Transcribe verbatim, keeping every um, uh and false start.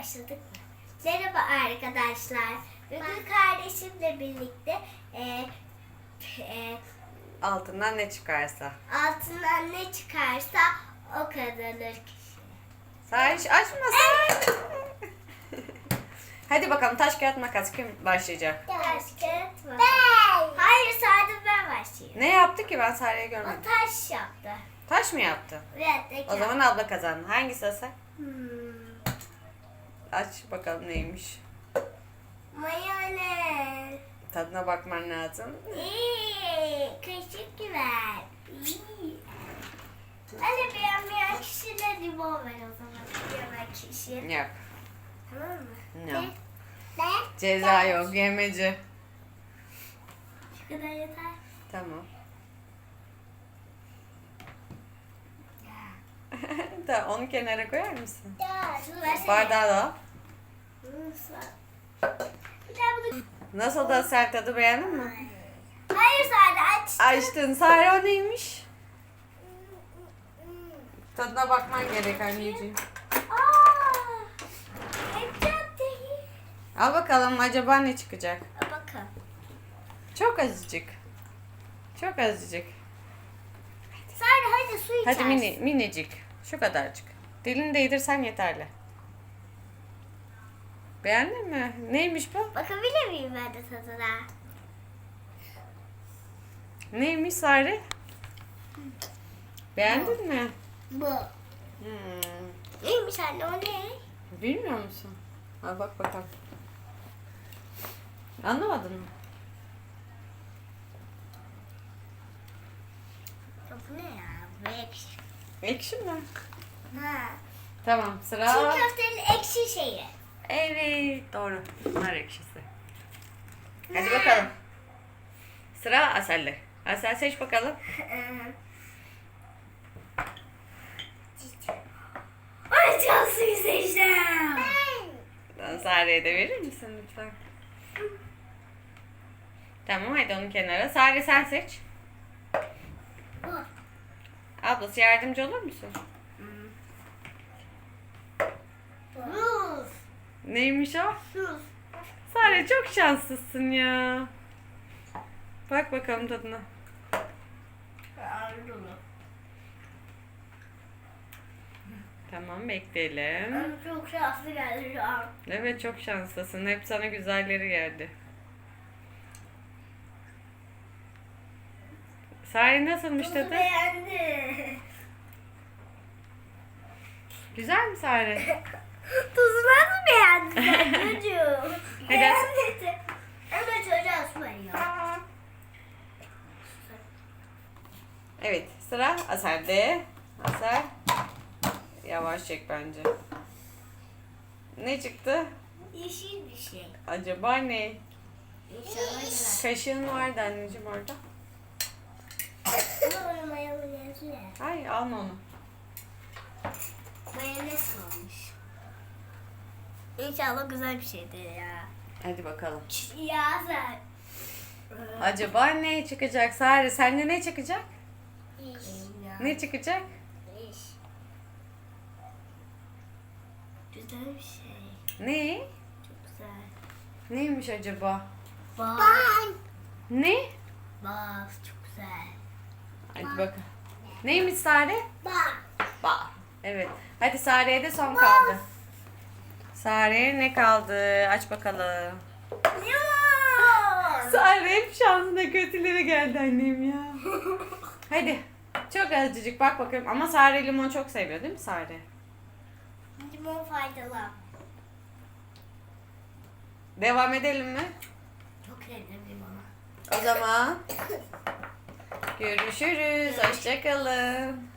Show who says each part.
Speaker 1: Başladık mı? Merhaba arkadaşlar. Bugün kardeşimle birlikte e, e,
Speaker 2: Altından ne çıkarsa.
Speaker 1: altından ne çıkarsa o kazanır kişi.
Speaker 2: Say açma say. Hadi bakalım taş kağıt makas kim başlayacak?
Speaker 1: Taş kağıt mı? Ben. Hayır sadece ben başlayayım.
Speaker 2: Ne yaptı ki ben Sare'yi
Speaker 1: O
Speaker 2: görmedim.
Speaker 1: taş yaptı.
Speaker 2: Taş mı yaptı?
Speaker 1: Evet.
Speaker 2: O zaman abla kazandı. Hangisi Asel?
Speaker 1: Hmm.
Speaker 2: Aç bakalım neymiş.
Speaker 1: Mayonez.
Speaker 2: Tadına bakman lazım.
Speaker 1: İyi. Kaşık ver. İyi. Hadi beğenmeyen kişiyle limon ver o zaman. Yemek kişi.
Speaker 2: Yap.
Speaker 1: Tamam mı?
Speaker 2: Yap.
Speaker 1: Ne?
Speaker 2: Ceza yok yemeci.
Speaker 1: Şu kadar yeter.
Speaker 2: Tamam. Da onu kenara koyar mısın?
Speaker 1: Şunu versene.
Speaker 2: Bardağı da al.
Speaker 1: Bir daha bunu...
Speaker 2: Nasıl da Asel tadı beğendin mi?
Speaker 1: Hayır Sade aç.
Speaker 2: Açtın. Sare o neymiş? Tadına bakman gerek anneciğim.
Speaker 1: Aaa. Ketçap değil.
Speaker 2: Al bakalım acaba ne çıkacak?
Speaker 1: Bakın.
Speaker 2: Çok azıcık. Çok azıcık.
Speaker 1: Sade hadi su içersin.
Speaker 2: Hadi mini, minicik. Şu kadarcık. Dilini değdirsen yeterli. Beğendin mi? Neymiş bu?
Speaker 1: Bakabilir miyim ben de tadına?
Speaker 2: Neymiş Sare? Beğendin mi?
Speaker 1: Bu.
Speaker 2: Hmm.
Speaker 1: Neymiş anne o ne?
Speaker 2: Bilmiyor musun? Al bak bakalım. Anlamadın mı?
Speaker 1: Ya bu ne ya? Bu ekşi.
Speaker 2: Ekşi mi?
Speaker 1: Ha.
Speaker 2: Tamam sıra.
Speaker 1: Çiğ köftenin ekşi şeyi.
Speaker 2: Evet doğru. Nar ekşisi. Hadi bakalım. Sıra Asel'de. Asel seç bakalım.
Speaker 1: Ay çok suyu seçtim.
Speaker 2: Ben Sare'ye de verir misin lütfen? Tamam hadi onu kenara. Sare sen seç.
Speaker 1: Bu.
Speaker 2: Ablası yardımcı olur musun?
Speaker 1: Ruz.
Speaker 2: Neymiş o?
Speaker 1: Ruz.
Speaker 2: Sare çok şanslısın ya. Bak bakalım tadına. Tamam bekleyelim.
Speaker 1: Ben çok şanslı geldi şu an.
Speaker 2: Evet çok şanslısın. Hep sana güzelleri geldi. Sare nasılmış
Speaker 1: Tuzu
Speaker 2: tadı?
Speaker 1: beğendi.
Speaker 2: Güzel mi Sare?
Speaker 1: Tuzu nasıl beğendin sen çocuğum?
Speaker 2: Hadi.
Speaker 1: Beğenmedi. Ama çocuğa su veriyor.
Speaker 2: Evet sıra Asel'de. Asel. Yavaş çek bence. Ne çıktı?
Speaker 1: Yeşil bir şey.
Speaker 2: Acaba ne?
Speaker 1: İnşallah güzel.
Speaker 2: Kaşığın vardı anneciğim orada.
Speaker 1: Ama onun mayonezi ne?
Speaker 2: Hayır alma onu.
Speaker 1: Mayonez olmuş. İnşallah güzel bir şeydir ya.
Speaker 2: Hadi bakalım.
Speaker 1: Ya sen.
Speaker 2: Acaba ne çıkacak Sare? Sence ne çıkacak?
Speaker 1: İş.
Speaker 2: Ne çıkacak?
Speaker 1: İş. Güzel bir şey.
Speaker 2: Ne?
Speaker 1: Çok güzel.
Speaker 2: Neymiş acaba?
Speaker 1: Bal.
Speaker 2: Ne?
Speaker 1: Bal çok güzel.
Speaker 2: Hadi bakalım. Neymiş Sare?
Speaker 1: Bal.
Speaker 2: Bal. Evet. Hadi Sare'ye de son kaldı. Sare'ye ne kaldı? Aç bakalım.
Speaker 1: Limon.
Speaker 2: Sare hep şansına kötüleri geldi annem ya. Hadi. Çok azıcık bak bakayım. Ama Sare limon çok seviyor değil mi Sare?
Speaker 1: Limon faydalı.
Speaker 2: Devam edelim mi?
Speaker 1: Çok sevdim limonu.
Speaker 2: O zaman görüşürüz. Hoşça kalın.